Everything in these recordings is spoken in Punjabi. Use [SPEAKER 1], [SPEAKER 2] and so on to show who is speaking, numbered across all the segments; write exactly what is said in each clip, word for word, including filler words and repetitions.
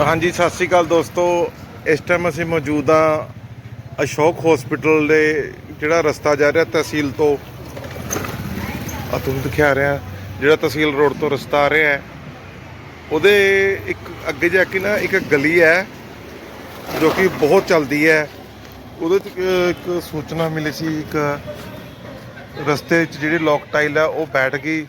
[SPEAKER 1] हाँ जी सत श्री अकाल दोस्तों। इस टाइम असीं मौजूद हाँ अशोक हॉस्पिटल दे जिहड़ा रस्ता जा रहा तहसील तो आ तुहानूं दिखा रहा जिहड़ा तहसील रोड तो रस्ता आ रहा है उहदे एक अगे जाके ना एक गली है जो कि बहुत चलती है। उहदे च एक सूचना मिली सी एक रस्ते च जिहड़ी लॉक टाइल है वो बैठ गई।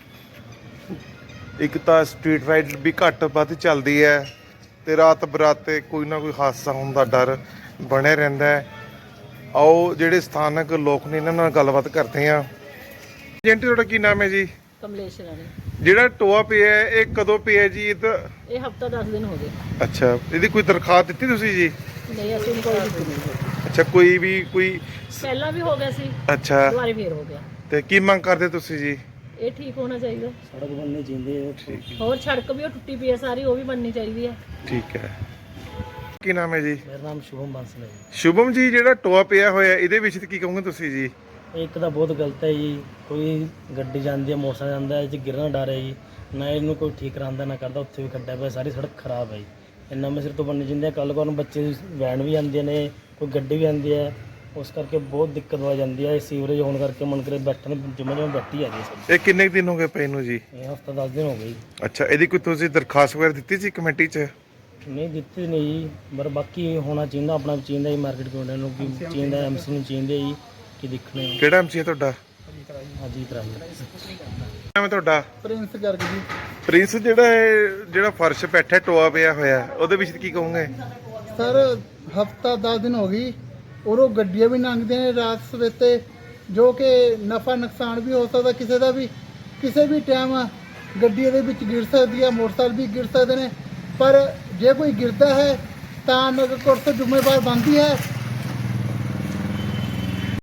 [SPEAKER 1] एक तो स्ट्रीट लाइट भी घट वध चलती है तो रात बराते कोई ना कोई हादसा होने का डर बने रहता है। आओ ਜਿਹੜੇ ਸਥਾਨਕ ਲੋਕ ਨੇ ਇਹਨਾਂ ਨਾਲ ਗੱਲਬਾਤ ਕਰਦੇ ਆ। ਏਜੰਟ ਤੁਹਾਡਾ ਕੀ ਨਾਮ ਹੈ ਜੀ?
[SPEAKER 2] ਕਮਲੇਸ਼ ਰਾਣੀ।
[SPEAKER 1] ਜਿਹੜਾ ਟੋਆ ਪਿਆ ਹੈ ਇਹ ਕਦੋਂ ਪਿਆ ਜੀ? ਇਹ ਤਾਂ
[SPEAKER 2] ਇਹ ਹਫਤਾ ਦਸ ਦਿਨ ਹੋ ਗਏ।
[SPEAKER 1] ਅੱਛਾ, ਇਹਦੀ ਕੋਈ ਦਰਖਾਸਤ ਦਿੱਤੀ ਤੁਸੀਂ ਜੀ?
[SPEAKER 2] ਨਹੀਂ, ਅਸੀਂ ਕੋਈ ਦਿੱਤੀ ਨਹੀਂ।
[SPEAKER 1] ਅੱਛਾ, ਕੋਈ ਵੀ ਕੋਈ
[SPEAKER 2] ਪਹਿਲਾਂ ਵੀ ਹੋ ਗਿਆ ਸੀ।
[SPEAKER 1] ਅੱਛਾ,
[SPEAKER 2] ਦੁਬਾਰਾ ਫੇਰ ਹੋ ਗਿਆ।
[SPEAKER 1] ਤੇ ਕੀ ਮੰਗ ਕਰਦੇ ਤੁਸੀਂ ਜੀ?
[SPEAKER 2] ਇਹ ਠੀਕ ਹੋਣਾ ਚਾਹੀਦਾ।
[SPEAKER 3] ਸੜਕ ਬਣਨੀ ਚਾਹੀਦੀ ਹੈ।
[SPEAKER 1] ਠੀਕ
[SPEAKER 2] ਹੋਰ ਸੜਕ ਵੀ ਉਹ ਟੁੱਟੀ ਪਈ ਹੈ ਸਾਰੀ, ਉਹ ਵੀ ਬਣਨੀ ਚਾਹੀਦੀ ਹੈ।
[SPEAKER 1] ਠੀਕ ਹੈ। ਕੀ ਨਾਮ ਹੈ ਜੀ?
[SPEAKER 3] ਮੇਰਾ ਨਾਮ ਸ਼ੁਭਮ ਬਾਂਸਲ ਹੈ ਜੀ।
[SPEAKER 1] ਸ਼ੁਭਮ ਜੀ, ਜਿਹੜਾ ਟੋਆ ਪਿਆ ਹੋਇਆ ਇਹਦੇ ਵਿੱਚ ਕੀ ਕਹੋਗੇ ਤੁਸੀਂ ਜੀ?
[SPEAKER 3] ਇੱਕ ਤਾਂ ਬਹੁਤ ਗਲਤ ਹੈ ਜੀ। ਕੋਈ ਗੱਡੀ ਜਾਂਦੀ ਹੈ, ਮੋਟਰਸਾਈਕਲ ਜਾਂਦਾ ਇਹ 'ਚ ਗਿਰਨਾ ਡਰ ਹੈ ਜੀ। ਨਾ ਇਹਨੂੰ ਕੋਈ ਠੀਕ ਕਰਾਉਂਦਾ ਨਾ ਕਰਦਾ। ਉੱਥੇ ਵੀ ਖੱਡਾ ਪਿਆ, ਸਾਰੀ ਸੜਕ ਖਰਾਬ ਹੈ ਜੀ। ਇੰਨਾ ਮੈਂ ਸਿਰ ਤੋਂ ਬਣਨੀ ਚਾਹੀਦੀ ਹੈ। ਕੱਲ੍ਹ ਕੋਲ ਨੂੰ ਬੱਚੇ ਵੈਨ ਵੀ ਆਉਂਦੀਆਂ ਨੇ, ਕੋਈ ਗੱਡੀ ਵੀ ਆਉਂਦੀ ਹੈ, ਉਸ ਕਰਕੇ ਬਹੁਤ ਦਿੱਕਤ ਹੋ ਜਾਂਦੀ ਹੈ। ਸੀਵਰੇਜ ਹੋਣ ਕਰਕੇ ਮਨ ਕਰੇ ਬੈਠਣ ਜਿਵੇਂ ਜਿਵੇਂ ਬੈਠੀ ਆ ਜੀ ਸਭ।
[SPEAKER 1] ਇਹ ਕਿੰਨੇ ਕੁ ਦਿਨ ਹੋ ਗਏ ਪਏ ਨੂੰ ਜੀ?
[SPEAKER 3] ਇਹ ਹਫਤਾ ਦਸ ਦਿਨ ਹੋ ਗਏ ਜੀ।
[SPEAKER 1] ਅੱਛਾ, ਇਹਦੀ ਕੋਈ ਤੁਸੀਂ ਦਰਖਾਸਤ ਵਗੈਰਾ ਦਿੱਤੀ ਸੀ ਕਮੇਟੀ 'ਚ?
[SPEAKER 3] ਨਹੀਂ ਦਿੱਤੀ ਨਹੀਂ ਜੀ, ਪਰ ਬਾਕੀ ਹੋਣਾ ਚਾਹੀਦਾ, ਆਪਣਾ ਵੀ ਚਾਹੀਦਾ ਜੀ। ਮਾਰਕੀਟ ਕਮੇਟੀ ਨੂੰ ਕੀ ਚਾਹੀਦਾ, ਐਮਸੀ ਨੂੰ ਚਾਹੀਦਾ ਜੀ ਕਿ ਦੇਖਣੇ।
[SPEAKER 1] ਕਿਹੜਾ ਐਮਸੀ ਹੈ ਤੁਹਾਡਾ?
[SPEAKER 3] ਅਜੀਤ ਰਾਜ।
[SPEAKER 1] ਨਾਮ ਹੈ ਤੁਹਾਡਾ?
[SPEAKER 3] ਪ੍ਰਿੰਸ ਗਰਗ ਜੀ।
[SPEAKER 1] ਪ੍ਰਿੰਸ, ਜਿਹੜਾ ਇਹ ਜਿਹੜਾ ਫਰਸ਼ ਬੈਠਾ ਟੋਆ ਪਿਆ ਹੋਇਆ ਉਹਦੇ ਵਿੱਚ ਕੀ ਕਹੋਗੇ?
[SPEAKER 4] ਸਰ ਹਫਤਾ ਦਸ ਦਿਨ ਹੋ ਗਈ, ਉਰੋਂ ਗੱਡੀਆਂ ਵੀ ਲੰਘਦੀਆਂ ਨੇ ਰਾਤ ਸਵੇਤੇ, ਜੋ ਕਿ ਨਫਾ ਨੁਕਸਾਨ ਵੀ ਹੋ ਸਕਦਾ ਕਿਸੇ ਦਾ ਵੀ। ਕਿਸੇ ਵੀ ਟਾਈਮ ਗੱਡੀ ਦੇ ਵਿੱਚ ਗਿਰ ਸਕਦੀ ਹੈ, ਮੋਟਰਸਾਈਕਲ ਵੀ ਗਿਰ ਸਕਦੇ ਨੇ। ਪਰ ਜੇ ਕੋਈ ਗਿਰਦਾ ਹੈ ਤਾਂ ਨਗਰ ਕੌਂਸਲ ਜ਼ਿੰਮੇਵਾਰ ਬਣਦੀ ਹੈ